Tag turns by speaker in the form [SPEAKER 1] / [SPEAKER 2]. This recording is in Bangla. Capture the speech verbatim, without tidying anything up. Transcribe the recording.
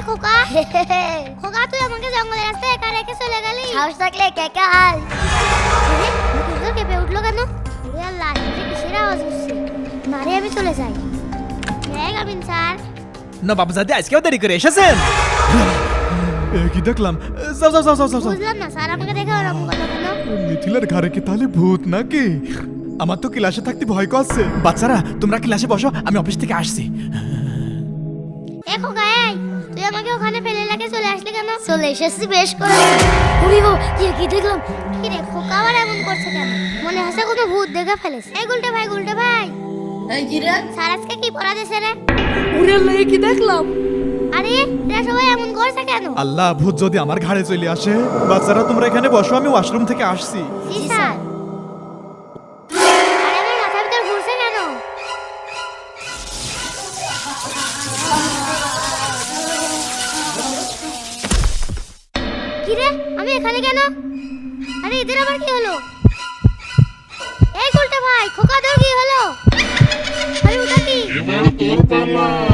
[SPEAKER 1] খোকা খোকা তুই আমাকে জঙ্গলের রাস্তায় একা রেখে চলে গেলি।
[SPEAKER 2] সাহস থাকলে একা একা আয়।
[SPEAKER 1] মুখগুলো কেঁপে উঠলো কেন? ওরে আল্লাহ, এটা কিসের আওয়াজ হচ্ছে? মারে আমি চলে যাই। হ্যাঁ গাবিন স্যার।
[SPEAKER 3] নবাবজাদে আজকেও দেরি করে এসেছেন।
[SPEAKER 4] এ কি দেখলাম? যাও যাও যাও যাও যাও যাও।
[SPEAKER 1] বুঝলাম না স্যার, আমাকে দেখে ওরকম কথা কেন?
[SPEAKER 4] মিথিলার ঘরে কি তাহলে ভূত নাকি? আমার তো ক্লাসে থাকতে ভয় করছে।
[SPEAKER 3] বাচ্চারা তোমরা ক্লাসে বসো, আমি অফিস থেকে আসছি।
[SPEAKER 1] এ খোকা এই, তুই আমাকে ওখানে ফেলে রেখে চলে আসলি কেন?
[SPEAKER 2] চলে এসেছি বেশ করে। ওরে বাবা, কি কি দেখলাম?
[SPEAKER 1] কি রে খোকা আবার এমন করছে কেন? মনে হচ্ছে কোনো ভূত দেখে ফেলেছে। এই গুলটে ভাই, গুলটে ভাই,
[SPEAKER 2] এই কি রে?
[SPEAKER 1] স্যার আজকে কি পড়া দিয়েছে রে?
[SPEAKER 2] ওরে আল্লাহ, এ কি দেখলাম?
[SPEAKER 1] আরে এরা সবাই এমন করছে কেন?
[SPEAKER 4] আল্লাহ, ভূত যদি আমার ঘাড়ে চলে আসে। বাচ্চারা তোমরা এখানে বসো, আমি ওয়াশরুম থেকে আসছি।
[SPEAKER 1] জি স্যার। আরে আমার মাথার ভিতর ঘুরছে কেন? কি রে, আমি এখানে কেন? আরে এদের আবার কি হলো? এই গুলটে ভাই, খোকা তোর কি হলো? আরে ওটা কি?
[SPEAKER 5] এবার তোর পালা